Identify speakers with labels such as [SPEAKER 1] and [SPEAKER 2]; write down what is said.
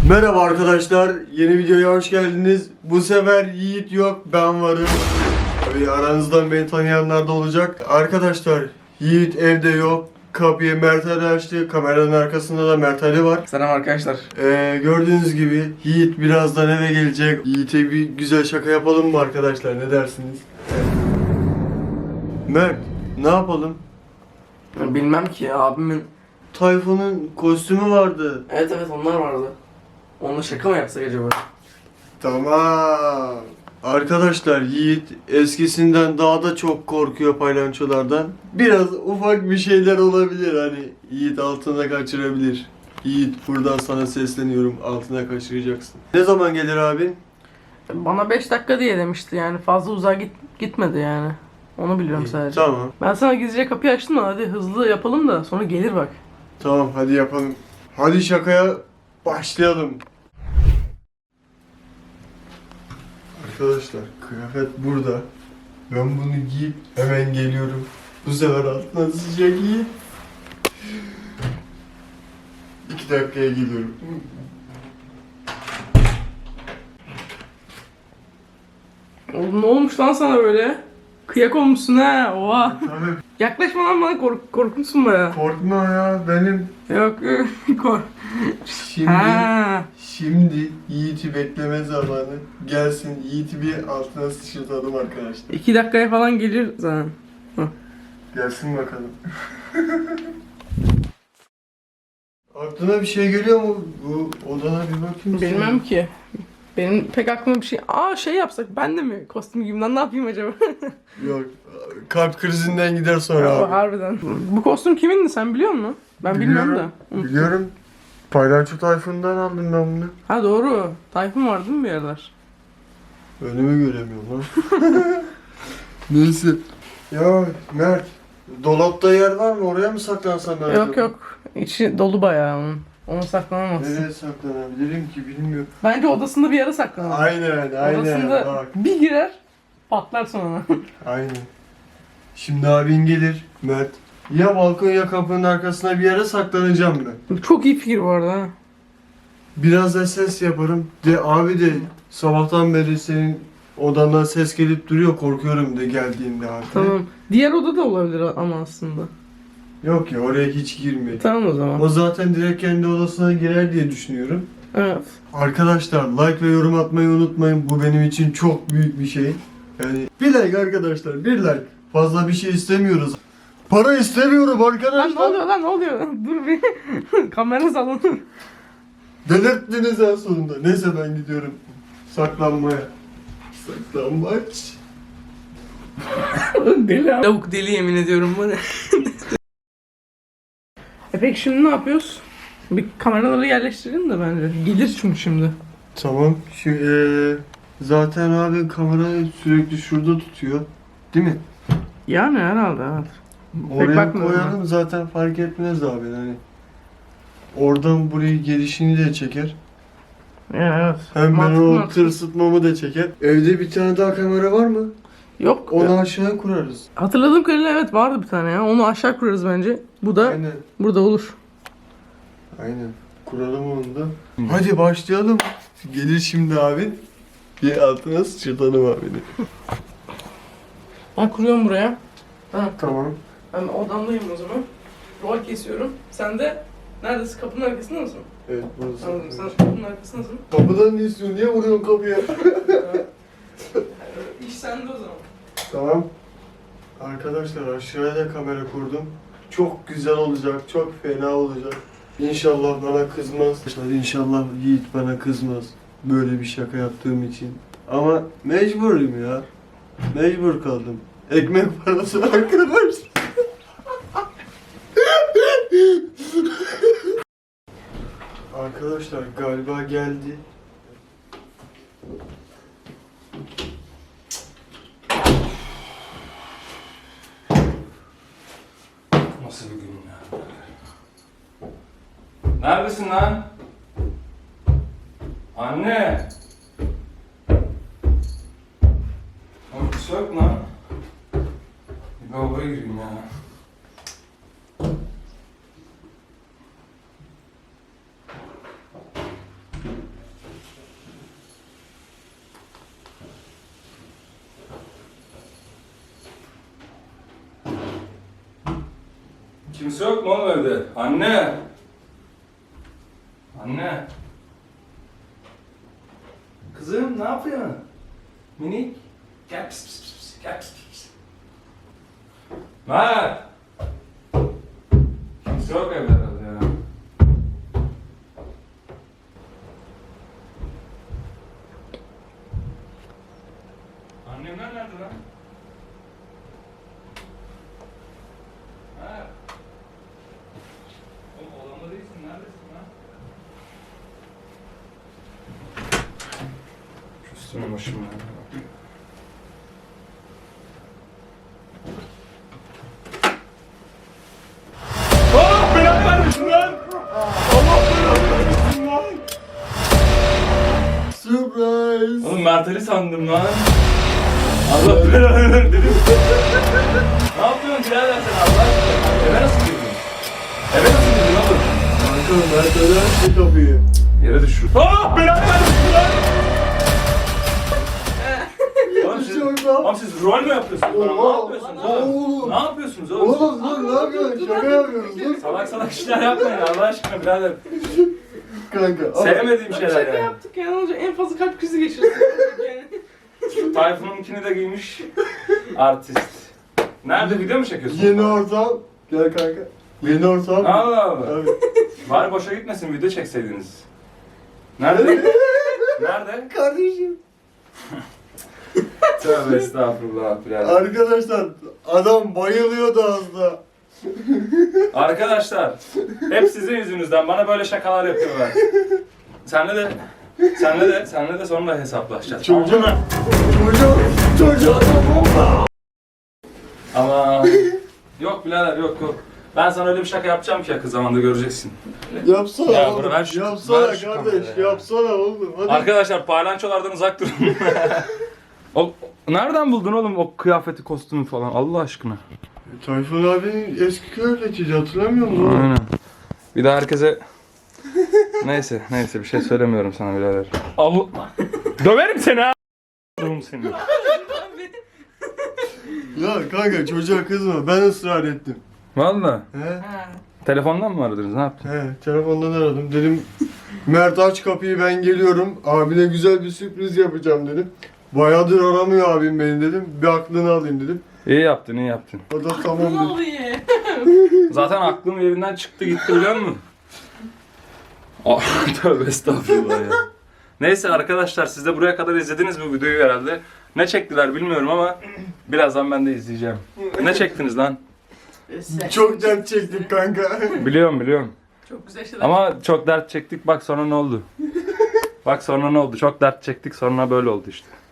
[SPEAKER 1] Merhaba arkadaşlar, yeni videoya hoş geldiniz. Bu sefer Yiğit yok, ben varım. Tabii aranızdan beni tanıyanlar da olacak. Arkadaşlar, Yiğit evde yok. Kapıyı Mert Ali açtı. Kameranın arkasında da Mert Ali var.
[SPEAKER 2] Selam arkadaşlar.
[SPEAKER 1] Gördüğünüz gibi Yiğit birazdan eve gelecek. Yiğit'e bir güzel şaka yapalım mı arkadaşlar? Ne dersiniz? Mert, ne yapalım?
[SPEAKER 2] Bilmem ki abimin...
[SPEAKER 1] Tayfun'un kostümü vardı.
[SPEAKER 2] Evet onlar vardı. Onunla şaka mı yapsak acaba?
[SPEAKER 1] Tamam. Arkadaşlar Yiğit eskisinden daha da çok korkuyor palyaçolardan. Biraz ufak bir şeyler olabilir, hani Yiğit altına kaçırabilir. Yiğit, buradan sana sesleniyorum, altına kaçıracaksın. Ne zaman gelir abin?
[SPEAKER 2] Bana 5 dakika diye demişti, yani fazla uzağa gitmedi yani. Onu biliyorum sadece.
[SPEAKER 1] Tamam.
[SPEAKER 2] Ben sana gizlice kapıyı açtım da hadi hızlı yapalım da sonra gelir bak.
[SPEAKER 1] Tamam, hadi yapalım. Hadi şakaya başlayalım. Arkadaşlar kıyafet burada. Ben bunu giyip hemen geliyorum. Bu sefer altına sıcak Yiğit. 2 dakikaya geliyorum.
[SPEAKER 2] Oğlum ne olmuş lan sana böyle? Kıyak olmuşsun ha, oha.
[SPEAKER 1] Tabii.
[SPEAKER 2] Yaklaşma lan bana, korkunçsun baya.
[SPEAKER 1] Korkma ya, benim
[SPEAKER 2] Yok kork.
[SPEAKER 1] şimdi
[SPEAKER 2] Ha.
[SPEAKER 1] şimdi Yiğit'i bekleme zamanı. Gelsin, Yiğit'i bir altına sıçratalım arkadaşlar.
[SPEAKER 2] 2 dakikaya falan gelir zaten.
[SPEAKER 1] Gelsin bakalım. Aklına bir şey geliyor mu? Bu odana bir bakayım.
[SPEAKER 2] Bilmem ki. Benim pek aklıma bir şey... şey yapsak, ben de mi kostüm giyeyim lan, ne yapayım acaba?
[SPEAKER 1] Yok, kalp krizinden gider sonra abi.
[SPEAKER 2] Harbiden. Bu kostüm kimindi, sen biliyor musun? Ben bilmiyorum da.
[SPEAKER 1] Biliyorum. Palyaço Tayfun'dan aldım ben bunu.
[SPEAKER 2] Ha doğru. Tayfun vardı mı bir yerler?
[SPEAKER 1] Önümü göremiyorum lan. Neyse. Ya Mert, dolapta yer var mı? Oraya mı saklansam ben?
[SPEAKER 2] Yok. İçi dolu bayağı onun. Ona saklanamazsın.
[SPEAKER 1] Nereye saklanabilirim ki, bilmiyorum.
[SPEAKER 2] Bence odasında bir yere saklanır.
[SPEAKER 1] Aynen.
[SPEAKER 2] Odasında
[SPEAKER 1] Bak.
[SPEAKER 2] bir girer, patlar sonra.
[SPEAKER 1] Aynen. Şimdi abin gelir Mert. Ya balkon ya kapının arkasına bir yere saklanacağım ben.
[SPEAKER 2] Çok iyi fikir bu arada ha.
[SPEAKER 1] Biraz da ses yaparım. De abi de sabahtan beri senin odandan ses gelip duruyor, korkuyorum de geldiğinde abi.
[SPEAKER 2] Tamam. Diğer oda da olabilir ama aslında.
[SPEAKER 1] Yok ya, oraya hiç girme.
[SPEAKER 2] Tamam o zaman.
[SPEAKER 1] O zaten direkt kendi odasına girer diye düşünüyorum.
[SPEAKER 2] Evet.
[SPEAKER 1] Arkadaşlar like ve yorum atmayı unutmayın. Bu benim için çok büyük bir şey. Yani bir like arkadaşlar, bir like. Fazla bir şey istemiyoruz. Para istemiyorum arkadaşlar.
[SPEAKER 2] Lan ne oluyor? Dur bir. Kamera salonu.
[SPEAKER 1] Delirttiniz en sonunda. Neyse ben gidiyorum saklanmaya. Saklanmaç.
[SPEAKER 2] Deli abi. Lavuk deli, yemin ediyorum bana. Peki şimdi ne yapıyoruz? Bir kameraları yerleştirelim de bence. Gelir çünkü şimdi.
[SPEAKER 1] Tamam. Zaten abi kamerayı sürekli şurada tutuyor. Değil mi?
[SPEAKER 2] Yani herhalde evet.
[SPEAKER 1] Oraya
[SPEAKER 2] bakmıyorum
[SPEAKER 1] koyalım, zaten fark etmez abi. Hani oradan burayı gelişini de çeker.
[SPEAKER 2] Yani evet.
[SPEAKER 1] Hem ben
[SPEAKER 2] Mantıklı,
[SPEAKER 1] o
[SPEAKER 2] mantıklı.
[SPEAKER 1] tırsıtmamı da çeker. Evde bir tane daha kamera var mı?
[SPEAKER 2] Yok.
[SPEAKER 1] Onu aşağıya kurarız.
[SPEAKER 2] Hatırladığım kadarıyla evet vardı bir tane ya. Onu aşağı kurarız bence. Bu da
[SPEAKER 1] Aynen.
[SPEAKER 2] burada olur.
[SPEAKER 1] Aynen. Kuralım onu da. Hadi başlayalım. Gelir şimdi abin. Bir altına sıçratalım abini.
[SPEAKER 2] Ben kuruyorum buraya. Ha,
[SPEAKER 1] Tamam.
[SPEAKER 2] ben odamdayım o zaman. Rol kesiyorum. Sen de neredesin? Kapının arkasında mısın?
[SPEAKER 1] Evet, burası.
[SPEAKER 2] Anladım. Sen kapının arkasındasın.
[SPEAKER 1] Kapıdan ne istiyorsun? Niye vuruyorsun kapıya?
[SPEAKER 2] İş sende o zaman.
[SPEAKER 1] Tamam. Arkadaşlar aşağıya da kamera kurdum. Çok güzel olacak, çok fena olacak. İnşallah bana kızmaz. İnşallah Yiğit bana kızmaz. Böyle bir şaka yaptığım için. Ama mecburum ya. Mecbur kaldım. Ekmek parası arkadaş. Arkadaşlar galiba geldi.
[SPEAKER 3] Nasıl bir gün ya? Neredesin lan? Anne! Uykusu yok lan. Bir lavaboya gireyim ya. Kimse yok mu oğlum evde? Anne! Anne! Kızım ne yapıyorsun? Minik? Gel pis pis pis pis. Gel pis pis pis. Mert! Kimse yok evde herhalde ya. Annemler nerede lan? Mert! Oğlum odamda değilsin, neredesin lan? Şu üstüne başıma ya. Oh! Belanı vermesin lan! Allah belanı vermesin lan!
[SPEAKER 1] Surprise.
[SPEAKER 3] Oğlum Mert'ali sandım lan. Allah belanı ver dedim. Ne yapıyorsun birader sen Allah aşkına? Eve nasıl girdin? Eve nasıl girdin oğlum?
[SPEAKER 1] Kanka Mert öyle açtı kapıyı.
[SPEAKER 3] Yere düşür. Ah belanı vermesin lan! Oğlum siz, oğlum siz rol mü yapıyorsunuz? Bana ne yapıyorsunuz oğlum?
[SPEAKER 1] Oğlum.
[SPEAKER 3] Ne yapıyorsunuz oğlum?
[SPEAKER 1] Oğlum dur ne yapıyorsun? Şaka yapıyoruz dur.
[SPEAKER 3] Salak salak işler yapmayın Allah aşkına birader.
[SPEAKER 1] Kanka.
[SPEAKER 3] Sevmediğim şeyler
[SPEAKER 2] Şaka
[SPEAKER 3] yani.
[SPEAKER 2] yaptık ya, ne olacak? En fazla kalp krizi geçirsin. Yani.
[SPEAKER 3] Tayfun'unkini de giymiş. Artist. Nerede video mu çekiyorsun?
[SPEAKER 1] Yeni ortam. Gel kanka. Yeni ortam.
[SPEAKER 3] Allah Allah.
[SPEAKER 1] Abi.
[SPEAKER 3] Bari boşa gitmesin video çekseydiniz. Nerede? Nerede?
[SPEAKER 1] Kardeşim.
[SPEAKER 3] Tövbe estağfurullah birader.
[SPEAKER 1] Arkadaşlar adam bayılıyordu az da.
[SPEAKER 3] Arkadaşlar hep sizin yüzünüzden bana böyle şakalar yapıyorlar. Senle de sonra hesaplaşacağız.
[SPEAKER 1] Çocuğum.
[SPEAKER 3] Ama-
[SPEAKER 1] Çocuğum.
[SPEAKER 3] Ama yok birader yok. Ben sana öyle bir şaka yapacağım ki yakın zamanda göreceksin.
[SPEAKER 1] Yapsana
[SPEAKER 3] Ya
[SPEAKER 1] oğlum.
[SPEAKER 3] bırak ver şu-
[SPEAKER 1] Yapsana
[SPEAKER 3] ver şu
[SPEAKER 1] kardeş.
[SPEAKER 3] kamerayı ya.
[SPEAKER 1] Yapsana oğlum. Hadi.
[SPEAKER 3] Arkadaşlar paylançolardan uzak durun. Nereden buldun oğlum o kıyafeti, kostümü falan Allah aşkına?
[SPEAKER 1] Tayfun abinin eski kıyafetiydi hatırlamıyor musun? oğlum?
[SPEAKER 3] Aynen. Bir daha herkese... neyse bir şey söylemiyorum sana birader. Allah... Döverim seni ha! Döverim seni.
[SPEAKER 1] Ya kanka çocuğa kızma ben ısrar ettim.
[SPEAKER 3] Valla.
[SPEAKER 1] He?
[SPEAKER 2] Ha.
[SPEAKER 3] Telefondan mı aradınız ne yaptın?
[SPEAKER 1] He telefondan aradım dedim Mert aç kapıyı ben geliyorum abine güzel bir sürpriz yapacağım dedim. Bayağıdır aramıyor abim beni dedim bir aklını alayım dedim.
[SPEAKER 3] İyi yaptın.
[SPEAKER 1] O da
[SPEAKER 2] Ne
[SPEAKER 1] tamam dedi.
[SPEAKER 2] oluyor?
[SPEAKER 3] Zaten aklım yerinden çıktı gitti biliyor musun? Tövbe estağfurullah ya. Neyse arkadaşlar siz de buraya kadar izlediniz bu videoyu herhalde. Ne çektiler bilmiyorum ama birazdan ben de izleyeceğim. Ne çektiniz lan?
[SPEAKER 1] Çok dert çektik kanka.
[SPEAKER 3] Biliyorum.
[SPEAKER 2] Çok güzel şeyler.
[SPEAKER 3] Ama çok dert çektik bak sonra ne oldu? Bak sonra ne oldu? Çok dert çektik sonra böyle oldu işte.